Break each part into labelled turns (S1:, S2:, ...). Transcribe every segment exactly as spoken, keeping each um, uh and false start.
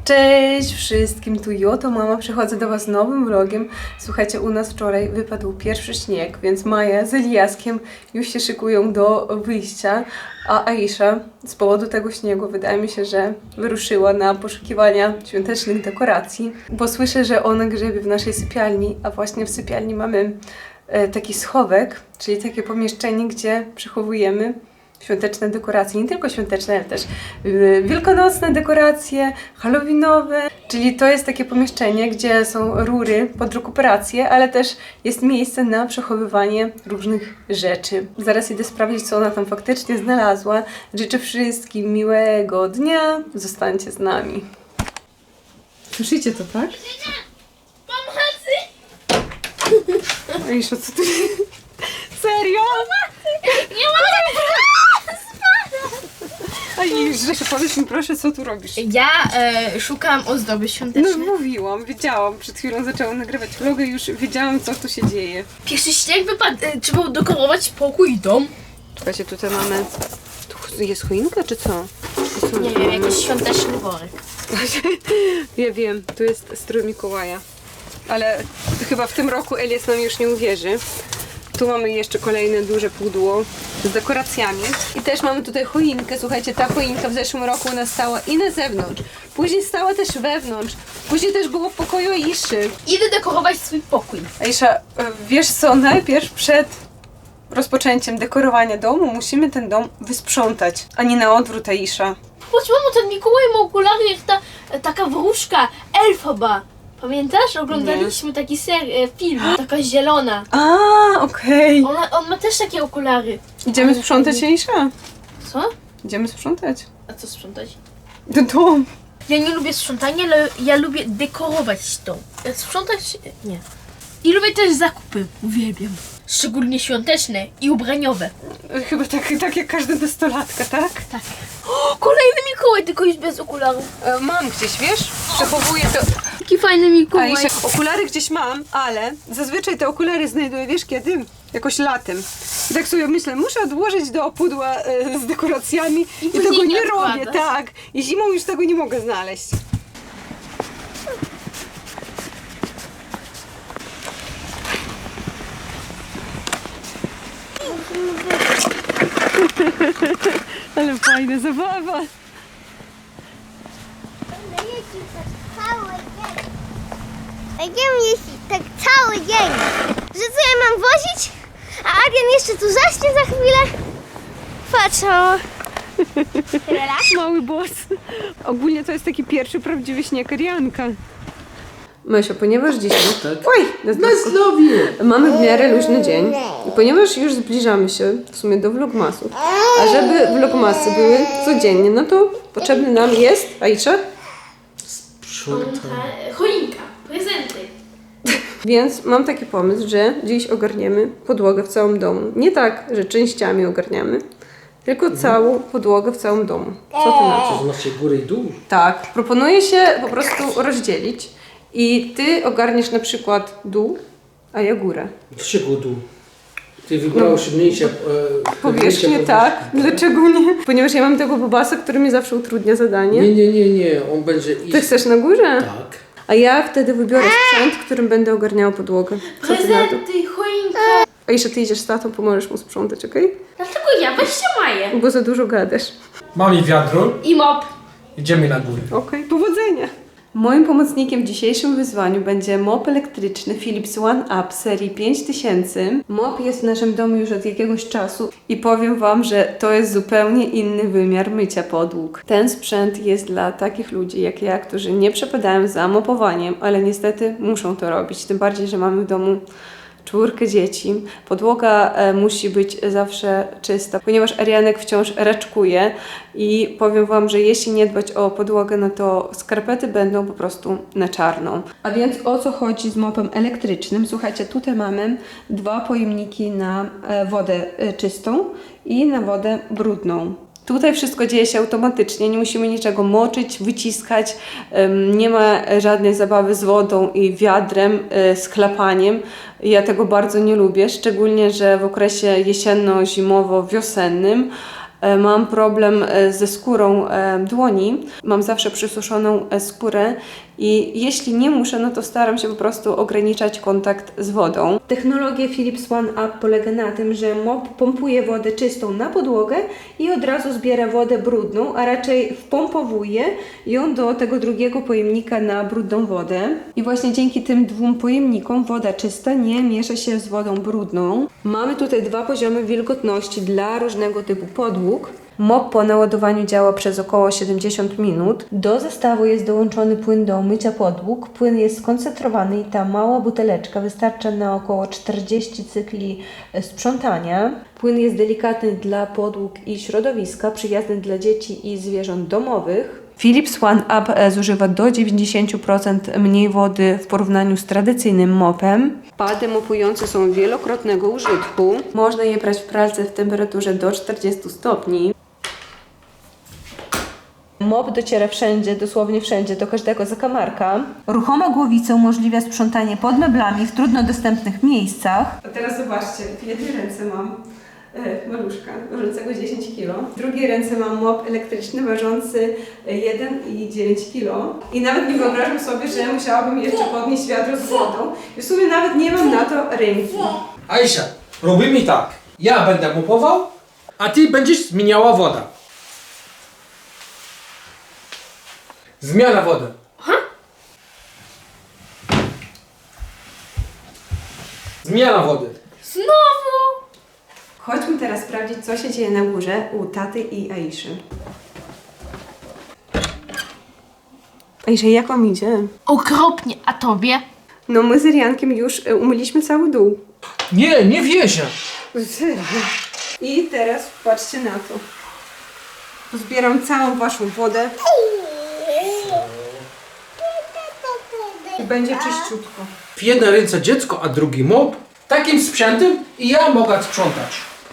S1: Cześć wszystkim, tu Joto Mama, przychodzę do Was z nowym vlogiem. Słuchajcie, u nas wczoraj wypadł pierwszy śnieg, więc Maja z Eliaskiem już się szykują do wyjścia, a Aisha z powodu tego śniegu wydaje mi się, że wyruszyła na poszukiwania świątecznych dekoracji, bo słyszę, że ona grzebie w naszej sypialni, a właśnie w sypialni mamy e, taki schowek, czyli takie pomieszczenie, gdzie przechowujemy świąteczne dekoracje, nie tylko świąteczne, ale też yy, wielkanocne dekoracje, halloweenowe, czyli to jest takie pomieszczenie, gdzie są rury pod rekuperację, ale też jest miejsce na przechowywanie różnych rzeczy. Zaraz idę sprawdzić, co ona tam faktycznie znalazła. Życzę wszystkim miłego dnia, zostańcie z nami. Słyszycie to, tak?
S2: Pomocy!
S1: Aisza, co ty... Serio?
S2: Nie mogę!
S1: Aisza, powiedz mi proszę, co tu robisz?
S2: Ja e, szukam ozdoby świątecznej.
S1: No mówiłam, wiedziałam. Przed chwilą zaczęłam nagrywać vlogę i już wiedziałam, co tu się dzieje.
S2: Pierwszy śnieg wypadł, e, trzeba udekorować pokój i dom.
S1: Słuchajcie, tutaj mamy... Tu jest choinka, czy co? co
S2: Nie wiem, jakiś świąteczny worek.
S1: Ja wiem, tu jest strój Mikołaja. Ale chyba w tym roku Elias nam już nie uwierzy. Tu mamy jeszcze kolejne duże pudło z dekoracjami. I też mamy tutaj choinkę. Słuchajcie, ta choinka w zeszłym roku u nas stała i na zewnątrz. Później stała też wewnątrz. Później też było w pokoju Aiszy.
S2: Idę dekorować swój pokój.
S1: Aisza, wiesz co? Najpierw przed rozpoczęciem dekorowania domu musimy ten dom wysprzątać, a nie na odwrót, Aisza.
S2: Chodź, mamo, ten Mikołaj ma okulary jak ta e, taka wróżka, elfoba. Pamiętasz? Oglądaliśmy taki ser, e, film, taka zielona.
S1: A, okej.
S2: Ona, on ma też takie okulary.
S1: Idziemy
S2: Ale
S1: sprzątać,
S2: fajnie.
S1: Aisza?
S2: Co?
S1: Idziemy sprzątać.
S2: A co sprzątać?
S1: Dom.
S2: Ja nie lubię sprzątania, ale ja lubię dekorować dom. Jak sprzątać? Nie. I lubię też zakupy. Uwielbiam. Szczególnie świąteczne i ubraniowe.
S1: Chyba tak, tak jak każda nastolatka, tak?
S2: Tak. O, kolejny Mikołaj, tylko już bez okularów.
S1: E, mam gdzieś, wiesz? Przechowuję to.
S2: Jaki fajny Mikołaj.
S1: Aisza, okulary gdzieś mam, ale zazwyczaj te okulary znajduję, wiesz kiedy? Jakoś latem. I tak sobie myślę, muszę odłożyć do pudła e, z dekoracjami i,
S2: później
S1: tego nie
S2: nie
S1: robię,
S2: odkładasz.
S1: tak. I zimą już tego nie mogę znaleźć. Ale fajna zabawa.
S3: Będziemy jeździć tak cały dzień. Że co ja mam wozić? A Adrian jeszcze tu zaśnie za chwilę. Patrz, mamo.
S1: Mały boss. Ogólnie to jest taki pierwszy prawdziwy śnieg Arianka. Mysio, ponieważ dzisiaj...
S4: Tak.
S1: Oj! Na
S4: zdrowie!
S1: Mamy w miarę luźny dzień i ponieważ już zbliżamy się w sumie do vlogmasów, a żeby vlogmasy były codziennie, no to potrzebny nam jest, Aisza?
S2: Choinka, prezenty.
S1: Więc mam taki pomysł, że dziś ogarniemy podłogę w całym domu. Nie tak, że częściami ogarniamy, tylko całą podłogę w całym domu. Co ty na to?
S4: To znaczy górę i dół?
S1: Tak, proponuję się po prostu rozdzielić i ty ogarniesz na przykład dół, a ja górę.
S4: Dlaczego dół? Ty wybrałeś mniejsze... E,
S1: Powierzchnię,
S4: mniejsze
S1: tak.
S4: powierzchnie,
S1: Dlaczego nie? Ponieważ ja mam tego bobasa, który mi zawsze utrudnia zadanie.
S4: Nie, nie, nie, nie. On będzie iść...
S1: Ty chcesz na górze?
S4: Tak.
S1: A ja wtedy wybiorę sprzęt, którym będę ogarniała podłogę. Co ty na to?
S2: Prezenty, choinka.
S1: Aisza, ty idziesz z tatą, pomożesz mu sprzątać, okej?
S2: Dlaczego ja? Weźcie Maję.
S1: Bo za dużo gadasz.
S4: Mam wiadro.
S2: I mop.
S4: Idziemy na górę.
S1: Okej, powodzenia! Moim pomocnikiem w dzisiejszym wyzwaniu będzie mop elektryczny Philips One Up serii pięć tysięcy. Mop jest w naszym domu już od jakiegoś czasu i powiem Wam, że to jest zupełnie inny wymiar mycia podłóg. Ten sprzęt jest dla takich ludzi jak ja, którzy nie przepadają za mopowaniem, ale niestety muszą to robić. Tym bardziej, że mamy w domu czwórkę dzieci. Podłoga e, musi być zawsze czysta, ponieważ Arianek wciąż raczkuje i powiem Wam, że jeśli nie dbać o podłogę, no to skarpety będą po prostu na czarno. A więc o co chodzi z mopem elektrycznym? Słuchajcie, tutaj mamy dwa pojemniki na e, wodę e, czystą i na wodę brudną. Tutaj wszystko dzieje się automatycznie, nie musimy niczego moczyć, wyciskać, nie ma żadnej zabawy z wodą i wiadrem, z chlapaniem. Ja tego bardzo nie lubię, szczególnie, że w okresie jesienno-zimowo-wiosennym e, mam problem e, ze skórą e, dłoni. Mam zawsze przysuszoną e, skórę i jeśli nie muszę, no to staram się po prostu ograniczać kontakt z wodą. Technologia Philips One Up polega na tym, że mop pompuje wodę czystą na podłogę i od razu zbiera wodę brudną, a raczej wpompowuje ją do tego drugiego pojemnika na brudną wodę. I właśnie dzięki tym dwóm pojemnikom woda czysta nie miesza się z wodą brudną. Mamy tutaj dwa poziomy wilgotności dla różnego typu podłóg. Mop po naładowaniu działa przez około siedemdziesiąt minut. Do zestawu jest dołączony płyn do mycia podłóg. Płyn jest skoncentrowany i ta mała buteleczka wystarcza na około czterdzieści cykli sprzątania. Płyn jest delikatny dla podłóg i środowiska, przyjazny dla dzieci i zwierząt domowych. Philips One Up zużywa do dziewięćdziesiąt procent mniej wody w porównaniu z tradycyjnym mopem. Pady mopujące są wielokrotnego użytku. Można je prać w pralce w temperaturze do czterdziestu stopni. Mop dociera wszędzie, dosłownie wszędzie, do każdego zakamarka. Ruchoma głowica umożliwia sprzątanie pod meblami w trudno dostępnych miejscach. A teraz zobaczcie, w jednej ręce mam e, maluszka ważącego dziesięć kilo. W drugiej ręce mam mop elektryczny ważący jeden i dziewięć kilo. I nawet nie wyobrażam sobie, że musiałabym jeszcze podnieść wiadro z wodą. I w sumie nawet nie mam na to ręki.
S4: Aisha, robimy tak. Ja będę mopował, a ty będziesz zmieniała wodę. Zmiana wody. Zmiana wody.
S2: Znowu!
S1: Chodźmy teraz sprawdzić, co się dzieje na górze u taty i Aiszy. Aisza, jak wam idzie?
S2: Okropnie, a tobie?
S1: No my z Riankiem już e, umyliśmy cały dół.
S4: Nie, nie wierzę.
S1: Serio? I teraz patrzcie na to. Zbieram całą waszą wodę. I będzie czyściutko.
S4: W jednej ręce dziecko, a drugi mop. Takim sprzętem i ja mogę sprzątać.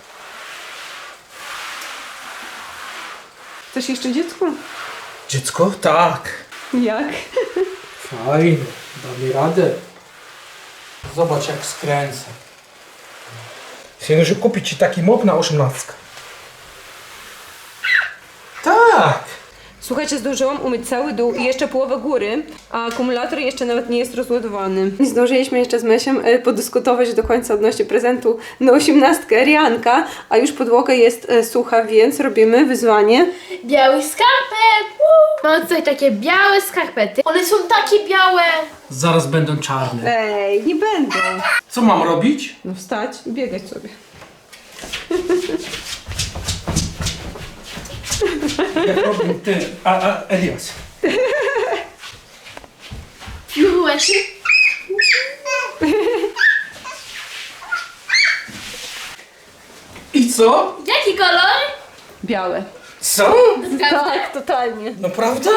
S1: Chcesz jeszcze dziecko?
S4: Dziecko? Tak.
S1: Jak?
S4: Fajnie, damy radę. Zobacz jak skręcę. Chcę kupić ci taki mop na osiemnastkę. Tak.
S1: Słuchajcie, zdążyłam umyć cały dół i jeszcze połowę góry, a akumulator jeszcze nawet nie jest rozładowany. Nie zdążyliśmy jeszcze z Mesiem e, podyskutować do końca odnośnie prezentu na osiemnastkę Rianka, a już podłoga jest e, sucha, więc robimy wyzwanie.
S2: Biały skarpet! Woo! Mam tutaj takie białe skarpety. One są takie białe.
S4: Zaraz będą czarne.
S1: Ej, nie będą.
S4: Co mam robić?
S1: No wstać i biegać sobie.
S4: Jak robię ty, a, a Elias.
S2: Piruety.
S4: I co?
S2: Jaki kolor?
S1: Białe.
S4: Co?
S1: Tak, totalnie.
S4: Naprawdę?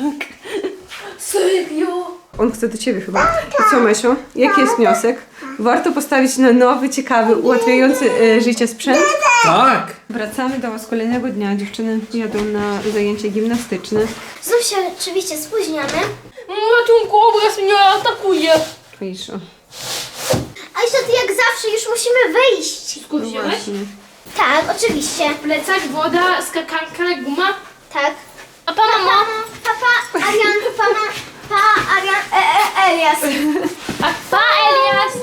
S2: Serio?
S1: On chce do ciebie chyba. I co, Mesio? Jaki jest wniosek? Warto postawić na nowy, ciekawy, ułatwiający e, życie sprzęt?
S4: Tak.
S1: Wracamy do was kolejnego dnia. Dziewczyny jadą na zajęcie gimnastyczne.
S3: Znów się oczywiście spóźniamy.
S2: Ratunku, obraz mnie atakuje.
S1: Aisza.
S3: Aisza, ty jak zawsze już musimy wyjść.
S1: No
S2: Skupiłeś?
S1: właśnie.
S3: Tak, oczywiście.
S2: Plecak, woda, skakanka, guma.
S3: Tak.
S2: A pana mama?
S3: Papa, Arian, pana, pa, Arian, e, e, Elias.
S2: A pa, Elias?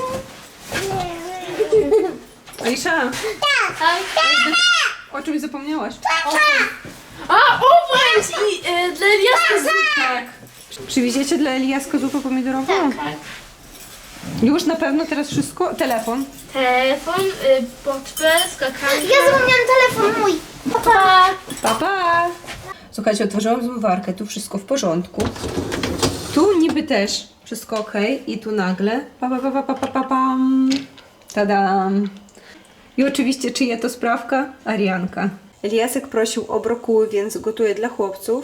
S1: Aisza,
S2: Tak.
S1: o czymś zapomniałaś?
S2: A, obręcz i e, dla Eliaska zrób tak.
S1: Przywieziecie dla Eliaska zupę pomidorową?
S2: Tak.
S1: Już na pewno teraz wszystko? Telefon.
S2: Telefon, y, portfel, skakanka.
S3: Ja zapomniałam telefon mój.
S2: Papa.
S1: Pa, pa! Słuchajcie, otworzyłam zmywarkę, tu wszystko w porządku. Tu niby też wszystko ok i tu nagle pa, pa, pa, pa, pa, pa, pa, pam. Tadam! I oczywiście czyja to sprawka? Arianka. Eliasek prosił o brokuły, więc gotuję dla chłopców.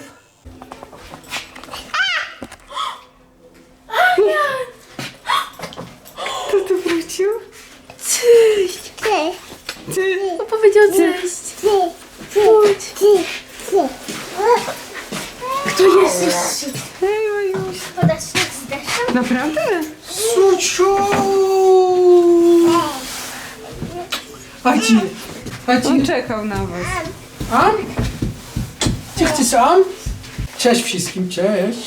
S1: Kto tu wrócił?
S2: Cześć.
S3: Ty,
S1: Ty!
S2: On powiedział cześć.
S3: ty, ty, ty, ty.
S2: Kto jest jeszcze?
S1: Hej, Majuś!
S3: Podasz śnieg z deszczem?
S1: Naprawdę?
S4: Suciu! Chodź, chodź.
S1: On czekał na was.
S4: Am? Ty chcesz am? Cześć wszystkim, cześć.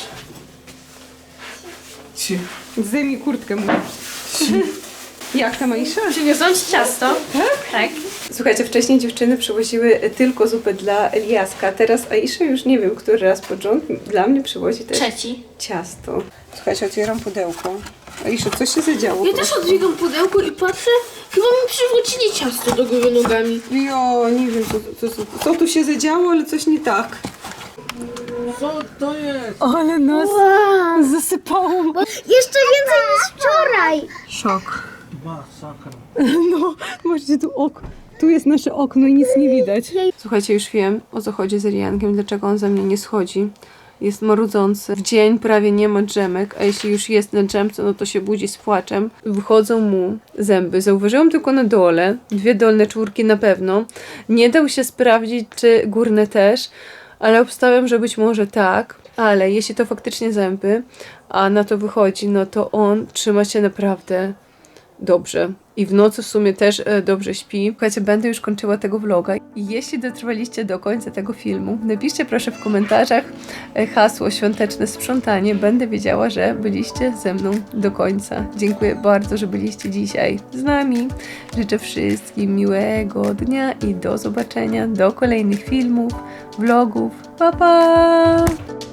S4: Ci-
S1: Zdejmij kurtkę mu. Jak tam, Aisza?
S2: Przyniosłam ci ciasto.
S1: Tak?
S2: Tak.
S1: Słuchajcie, wcześniej dziewczyny przywoziły tylko zupę dla Eliaska, teraz Aisza już nie wiem, który raz pod rząd dla mnie przywozi też
S2: Trzeci.
S1: ciasto. Słuchajcie, otwieram pudełko. Aisza, co się zadziało?
S2: Ja też odbiegam pudełko i patrzę, chyba mi przywrócili ciasto do góry nogami.
S1: Jo, nie wiem, co, co, co, co tu się zadziało, ale coś nie tak.
S4: Co to jest?
S1: Ale nas zasypało.
S3: Jeszcze więcej niż wczoraj.
S1: Szok.
S4: Masakra.
S1: No, możecie tu ok. Tu jest nasze okno i nic nie widać. Słuchajcie, już wiem, o co chodzi z Eliankiem, dlaczego on ze mnie nie schodzi. Jest marudzący. W dzień prawie nie ma drzemek, a jeśli już jest na drzemce, no to się budzi z płaczem. Wychodzą mu zęby. Zauważyłam tylko na dole, dwie dolne czwórki na pewno. Nie dał się sprawdzić, czy górne też, ale obstawiam, że być może tak. Ale jeśli to faktycznie zęby, a na to wychodzi, no to on trzyma się naprawdę dobrze. I w nocy w sumie też e, dobrze śpi. Słuchajcie, będę już kończyła tego vloga. I jeśli dotrwaliście do końca tego filmu, napiszcie proszę w komentarzach e, hasło świąteczne sprzątanie. Będę wiedziała, że byliście ze mną do końca. Dziękuję bardzo, że byliście dzisiaj z nami. Życzę wszystkim miłego dnia i do zobaczenia do kolejnych filmów, vlogów. Pa, pa!